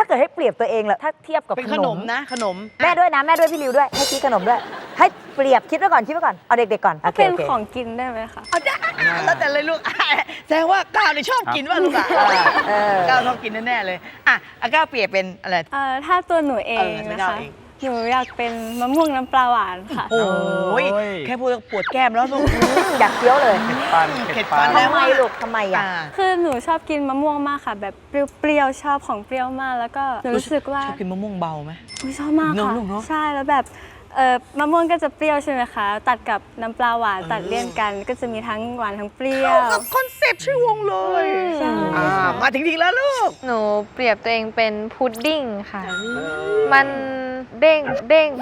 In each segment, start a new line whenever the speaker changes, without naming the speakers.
เกิดให้เปรียบตัวเองละถ้าเทียบกับ
เป็น
ข
ข
น
น
ม
มนะขนม
แม่ด้วยนะแม่ด้วยพี่ริวด้วยให้คิดขนมด้วย ให้เปรียบคิดไว้ก่อนเอาเด็กๆก่อนโอเค
เป็น
โอเค
ของกินได้ไหมคะ
เอาได้แล้วแต่เลยลูกแสดงว่าก้าวเนี่ยชอบกินว่าลูกอ่ะก้าวชอบกินแน่ๆเลยอ่ะก้าวเปรียบเป็นอะไร
ถ้าตัวหนูเอง
ไม่
นะ
ได้
คะ
เอง
หนูอยากเป็นมะม่วงน้ำปลาหวานค่ะ
โอ้ยแค่พูดก็ปวดแก้มแล้วลูก
อยากเคี้ยวเลย
เผ็ดฟัน
ทำไมลูกทำไมอ่ะ
คือหนูชอบกินมะม่วงมากค่ะ แบบเปรี้ยวๆชอบของเปรี้ยวมาก แล้วก็หนูรู้สึกว่า
ชอบกินมะม่วงเบาไหม
อุ๊ยชอบมาก
เนอะ
ค่ะ
ลูกเนอะ
ใช่แล้วแบบมะม่วงก็จะเปรี้ยวใช่ไหมคะ ตัดกับน้ำปลาหวานตัดเลี่ยนกันก็จะมีทั้งหวานทั้งเปรี้ยว
เข้ากับคอนเซปต์ชื่อวงเลย
ใช่
มาถึงทีแล้วลูก
หนูเปรียบตัวเองเป็นพุดดิ้งค่ะ มันเด้งเด้ง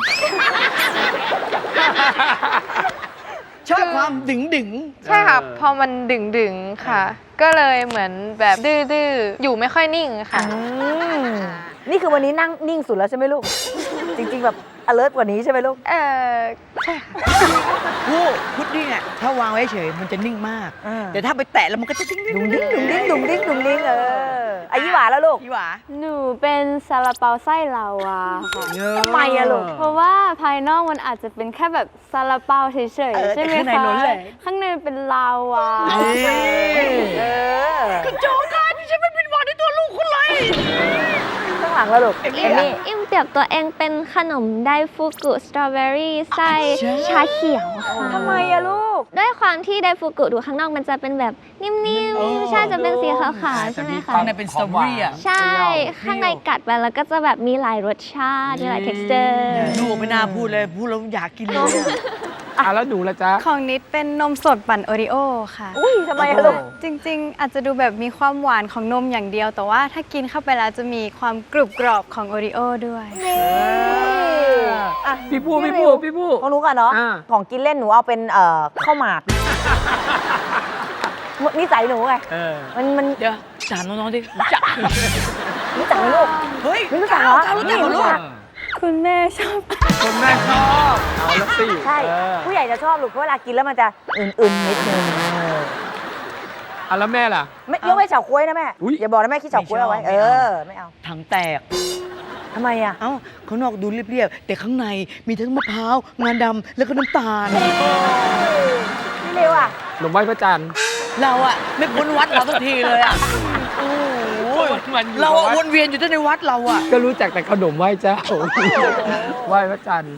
ชอบความดึงดึง
ใช่ค่ะ พอมันดึงดึงๆค่ะ ก็เลยเหมือนแบบดื้อๆ อยู่ไม่ค่อยนิ่งค่ะ
นี่คือวันนี้นั่งนิ่งสุดแล้วใช่ไหมลูก จริงๆแบบ alert กว่านี้ใช่ไหมลูก
ใช่ค่ะ
ผู้พุดดิ้งอ่ะถ้าวางไว้เฉยมันจะนิ่งมาก แต่ถ้าไปแตะแล้วมันก็จะดิ้งดิ้ง
ดุงดิ้งดุงดิ้งดุงดิ้งดุงดิ้งอายุหวาแล้วลูก
ยี่หวา
หนูเป็นซาลาเปาไส้ลาวาค่ะ
ทำไมอะลูก
เพราะว่าภายนอกมันอาจจะเป็นแค่แบบซาลาเปาเฉยๆใช่ไหม
แต่ข้างใน
คะ
ล้นเลย
ข้างในเป็นลาวา
เออ
คุณโจกันฉันไม่เป็นหวัดในตัวลูกคุณเลย
ข้างหลังแล้วลูก
เอ็ม
เอมมี่
อิมเปรียบตัวเองเป็นขนมไดฟุกุสตรอเบอรี่ไส้ชาเขียวค่ะ
ทำไมอะลูก
ด้วยความที่ไดฟุกุดูข้างนอกมันจะเป็นแบบนิ่มๆใช่จะเป็นสีขาวๆใช่ไหมคะ
ข้างในเป็นสตรอเบอรี่อ่ะ
ใช่ ข้างในกัดไปแล้วก็จะแบบมีหลายรสชาติมีหลาย texture
ลูกไม่น่าพูดเลยพูดแล้วอยากกินเลย
แล้วหนูละจ๊ะ
ของนิดเป็นนมสดปั่นโอริโอค่ะ
อุ้ยทำไมอะลูก
จริงๆ อาจจะดูแบบมีความหวานของนมอย่างเดียว แต่ว่าถ้ากินเข้าไปแล้วจะมีความกรุบกรอบของโอริโอด้วย
อ่ะ
พี่ผู้
ริว
พี่ผู้
ของหนูก่อนเนาะ
อ่า
ของกินเล่นหนูเอาเป็นข้าวหมากนิสัยหนูไง มัน
เดี๋ยวถามน้องๆดิรู้จัก
รู้จักไหมลูก
เฮ้ย
ไม่รู้จักเหรอ
รู้จักเหรอลูก
คุณแม่ชอบ
คนแม่ชอบเอาละสิ
ใช่ ผู้ใหญ่จะชอบลูกเพราะเวลากินแล้วมันจะอื่นๆนิดนึง
แล้วแม่ล่ะ
ไม่ยกไว้นเฉาก๊วยนะแม่
อุ๊ย
อย่าบอกนะแม่คิดเฉาก๊วยเอาไว้
ไม่เอา
ไม่เอา
ถังแตก
ทำไมอ่ะ
เอ้าข้างนอกดูเรียบๆแต่ข้างในมีทั้งมะพร้าวงาดำแล้วก็น้ำตาล
พี่ริวอ่ะ
หนมไหว้พระจันทร์
เราอะไม่พ้นวัดเราสักทีเลยอะโอ้โห
มันอยู่
เราอะ
กับวัด
วนเวียนอยู่แต่ในวัดเราอะ
ก็รู้จักแต่ขนมไหว้เจ้า ไหว้พระจันทร์